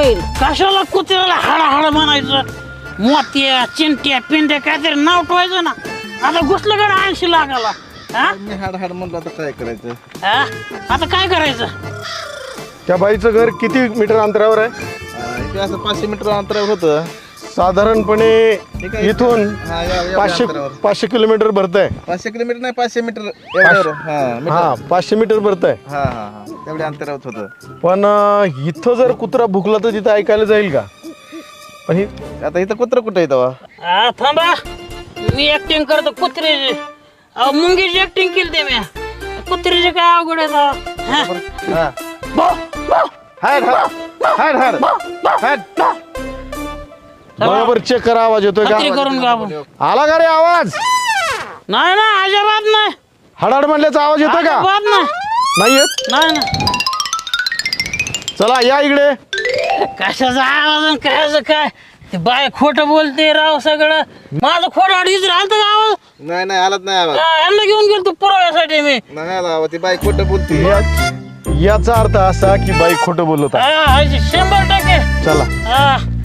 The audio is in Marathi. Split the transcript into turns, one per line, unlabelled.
येईल.
कशाला कुत्र्याला हाड म्हणायचं? मोत्या चिंट्या पिंड्या काहीतरी नाव ठेवायचं ना. आता घुसलं गड 80 लाखाला. हा?
मी हाड म्हणलं आता काय करायचं.
हा? आता काय करायचं?
त्या बाईचं घर किती मीटर अंतरावर आहे?
इथे असं 500 मीटर अंतरावर होतं.
साधारणपणे इथून
हा, एवढ्या
500
अंतरावर.
500 किलोमीटर भरतंय.
500 किलोमीटर नाही 500 मीटर एवढ्यावर.
हा 500 मीटर भरतंय.
हा हा हा तेवढ्या अंतरावर होतं.
पण इथं जर कुत्रा भुकला तर तिथं ऐकायला जाईल का? पण ही
आता इथं कुत्र कुठं येतं?
हा, थांबा. मी ऍक्टिंग करतो कुत्र्याची. मुंगीची ऍक्टिंग केली ते मी. कुत्र्याची काय अवघड आहे तेव्हा? हा?
हाड हाड हाड हाड.
बरोबर चेक करा, आवाज येतोय
खात्री
का?
करून घ्या आपण.
आला का रे आवाज?
नाही ना, अजिबात नाही.
हडाड म्हणल्याचा आवाज येतोय का?
अजिबात नाही.
नाही येत?
नाही ना.
चला या इकडे.
कशाचा आवाज आणि कशाचं काय? ते बाय खोटं बोलते राव सगळं. माझं खोटं अडीच राहतं का आवाज?
नाही नाही आलाच नाही आवाज.
यांना घेऊन गेलो तू पुराव्यासाठी मी.
नाही आला आवाज. ती बाई खोटं बोलते.
याचा अर्थ असा की बाई खोटं बोलत आहे.
100%.
चला.
हा.